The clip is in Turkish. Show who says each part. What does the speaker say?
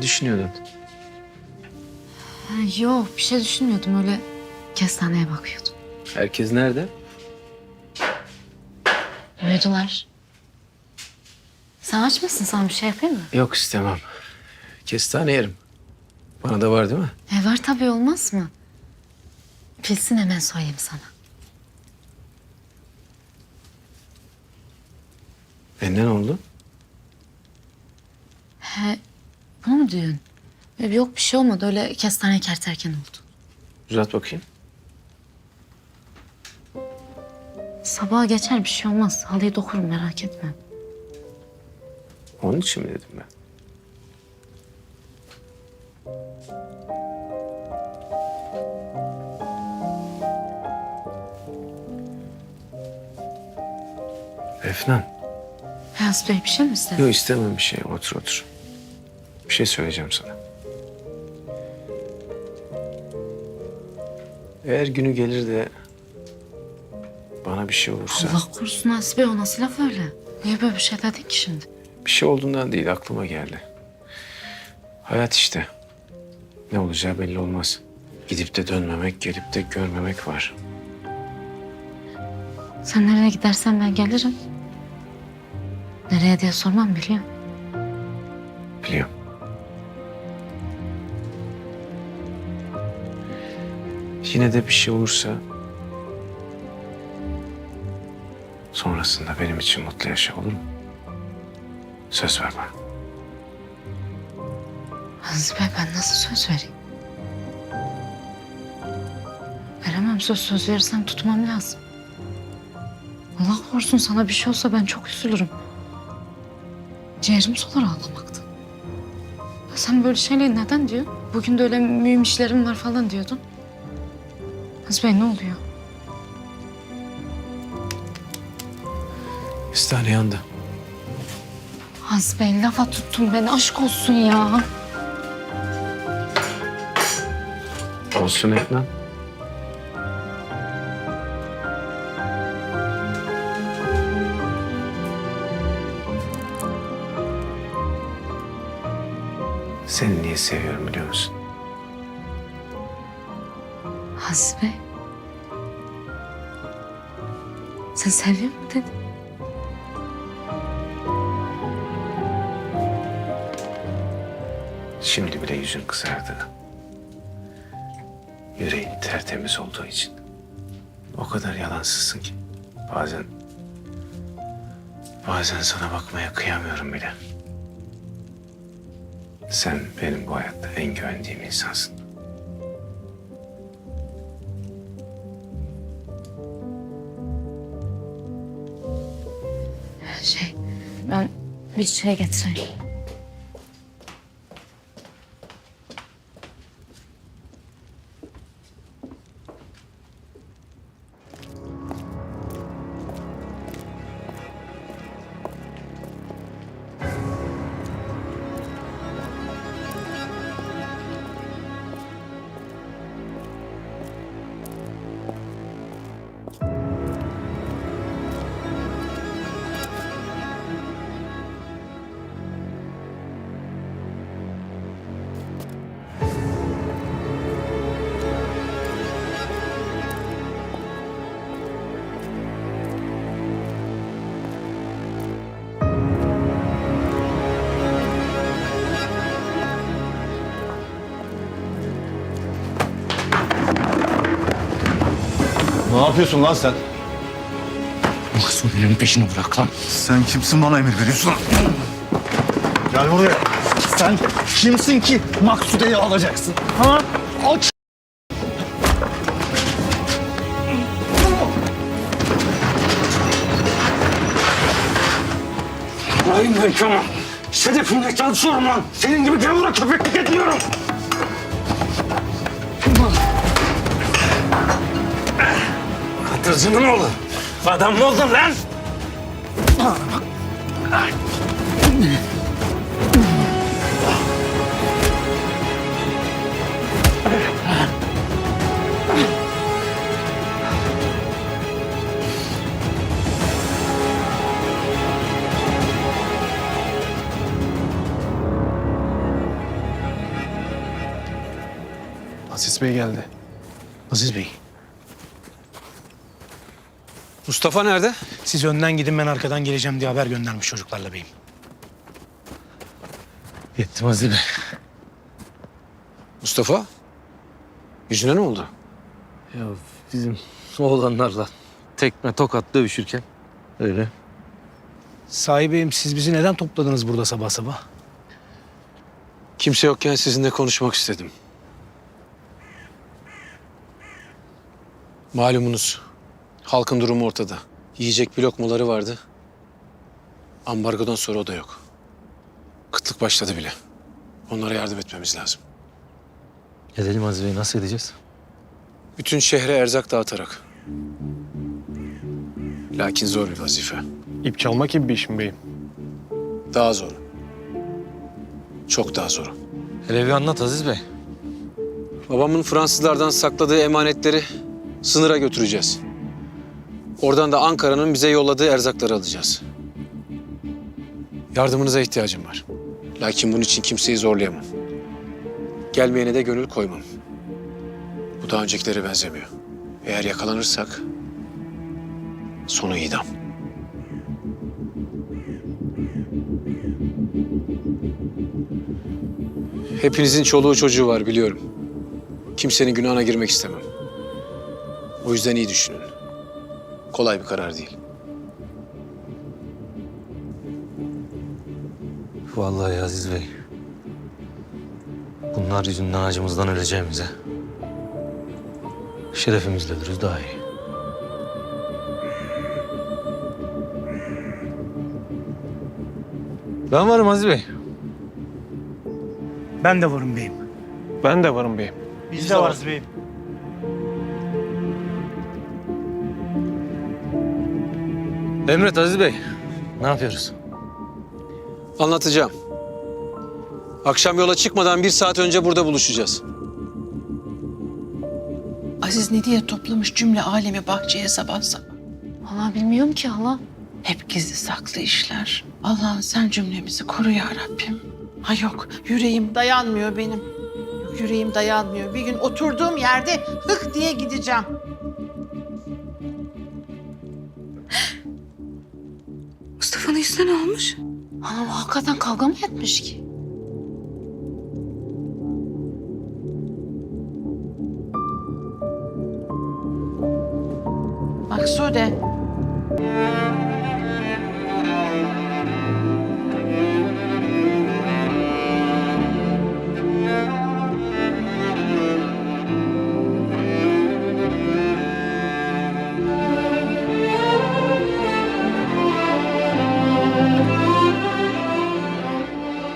Speaker 1: Ne düşünüyordun?
Speaker 2: Ha, yok bir şey düşünmüyordum, öyle kestaneye bakıyordum.
Speaker 1: Herkes nerede?
Speaker 2: Uyudular. Sen aç mısın? Sana bir şey yapayım mı?
Speaker 1: Yok istemem. Kestane yerim. Bana da var değil mi?
Speaker 2: Var tabii, olmaz mı? Pilsin, hemen soyayım sana.
Speaker 1: Benden oldu.
Speaker 2: He, bunu mu diyorsun? Yok bir şey olmadı, öyle kestane kerterken oldu.
Speaker 1: Uzat bakayım.
Speaker 2: Sabaha geçer, bir şey olmaz. Halıyı dokurum, merak etme.
Speaker 1: Onun için mi dedim ben? Efnan.
Speaker 2: Beyaz Bey, bir şey mi istedin?
Speaker 1: Yok istemem bir şey. Otur otur. Bir şey söyleyeceğim sana. Eğer günü gelir de bana bir şey olursa...
Speaker 2: Allah korusun Aziz Bey, o nasıl laf öyle? Niye böyle bir şey dedin ki şimdi?
Speaker 1: Bir şey olduğundan değil, aklıma geldi. Hayat işte. Ne olacağı belli olmaz. Gidip de dönmemek, gelip de görmemek var.
Speaker 2: Sen nereye gidersen ben gelirim. Nereye diye sormam, biliyorum.
Speaker 1: Biliyorum. Yine de bir şey olursa... sonrasında benim için mutlu yaşa, olur mu? Söz ver bana.
Speaker 2: Aziz Bey, ben nasıl söz vereyim? Veremem, söz verirsem tutmam lazım. Allah korusun, sana bir şey olsa ben çok üzülürüm. Ciğerim solar ağlamaktan. Ya sen böyle şeyleri neden diyorsun? Bugün de öyle mühim işlerim var falan diyordun. Aziz Bey, ne oluyor?
Speaker 1: Kestane yandı.
Speaker 2: Aziz Bey, lafa tuttun beni, aşk olsun ya.
Speaker 1: Olsun Efnan. Seni niye seviyorum biliyor musun?
Speaker 2: Aziz Bey. Sen seviyor musun dedin?
Speaker 1: Şimdi bile yüzün kızardı. Yüreğin tertemiz olduğu için. O kadar yalansızsın ki. Bazen sana bakmaya kıyamıyorum bile. Sen benim bu hayatta en güvendiğim insansın.
Speaker 2: Ben bir şey getireyim.
Speaker 3: Ne yapıyorsun lan sen?
Speaker 4: Maksude'nin peşini bırak lan.
Speaker 3: Sen kimsin bana emir veriyorsun? Gel buraya. Sen kimsin ki Maksude'yi alacaksın? Ha? Aç!
Speaker 4: Hayır ben Kemal. Sedefimle çalışıyorum lan. Senin gibi gavura köpeklik etmiyorum. Katırcının oğlu. Adam mı oldun lan?
Speaker 1: Aziz Bey geldi.
Speaker 5: Aziz Bey,
Speaker 6: Mustafa nerede?
Speaker 5: siz önden gidin, ben arkadan geleceğim diye haber göndermiş çocuklarla beyim.
Speaker 6: Yettim Aziz Bey. Mustafa? Yüzüne ne oldu?
Speaker 7: Ya bizim oğlanlarla tekme tokat dövüşürken öyle.
Speaker 5: Sahi beyim, siz bizi neden topladınız burada sabah sabah?
Speaker 6: Kimse yokken sizinle konuşmak istedim. Malumunuz halkın durumu ortada. Yiyecek bir lokmaları vardı. Ambargodan sonra o da yok. Kıtlık başladı bile. Onlara yardım etmemiz lazım.
Speaker 7: Edelim Aziz Bey, nasıl edeceğiz?
Speaker 6: Bütün şehre erzak dağıtarak. Lakin zor bir vazife.
Speaker 1: İp çalmak gibi bir iş mi beyim?
Speaker 6: Daha zor. Çok daha zor.
Speaker 7: Hele bir anlat Aziz Bey.
Speaker 6: Babamın Fransızlardan sakladığı emanetleri sınıra götüreceğiz. Oradan da Ankara'nın bize yolladığı erzakları alacağız. Yardımınıza ihtiyacım var. Lakin bunun için kimseyi zorlayamam. Gelmeyene de gönül koymam. Bu daha öncekilere benzemiyor. Eğer yakalanırsak sonu idam. Hepinizin çoluğu çocuğu var biliyorum. Kimsenin günahına girmek istemem. O yüzden iyi düşünün. Kolay bir karar değil.
Speaker 7: Vallahi Aziz Bey. Bunlar yüzünden acımızdan öleceğimize şerefimizle ölürüz daha iyi. Ben varım Aziz Bey.
Speaker 5: Ben de varım beyim.
Speaker 1: Ben de varım beyim.
Speaker 5: Biz de varız beyim.
Speaker 7: Emret Aziz Bey. Ne yapıyoruz?
Speaker 6: Anlatacağım. Akşam yola çıkmadan 1 saat önce burada buluşacağız.
Speaker 8: Aziz ne diye toplamış cümle alemi bahçeye sabah sabah.
Speaker 2: Hala bilmiyorum ki hala.
Speaker 8: Hep gizli saklı işler. Allah'ım sen cümlemizi koru ya Rabbim. Ha yok, yüreğim dayanmıyor benim. Yok, yüreğim dayanmıyor. Bir gün oturduğum yerde hık diye gideceğim.
Speaker 2: Mustafa'nın yüzüne ne olmuş? Hala bu hakikaten kavga mı etmiş ki?
Speaker 8: Maksude.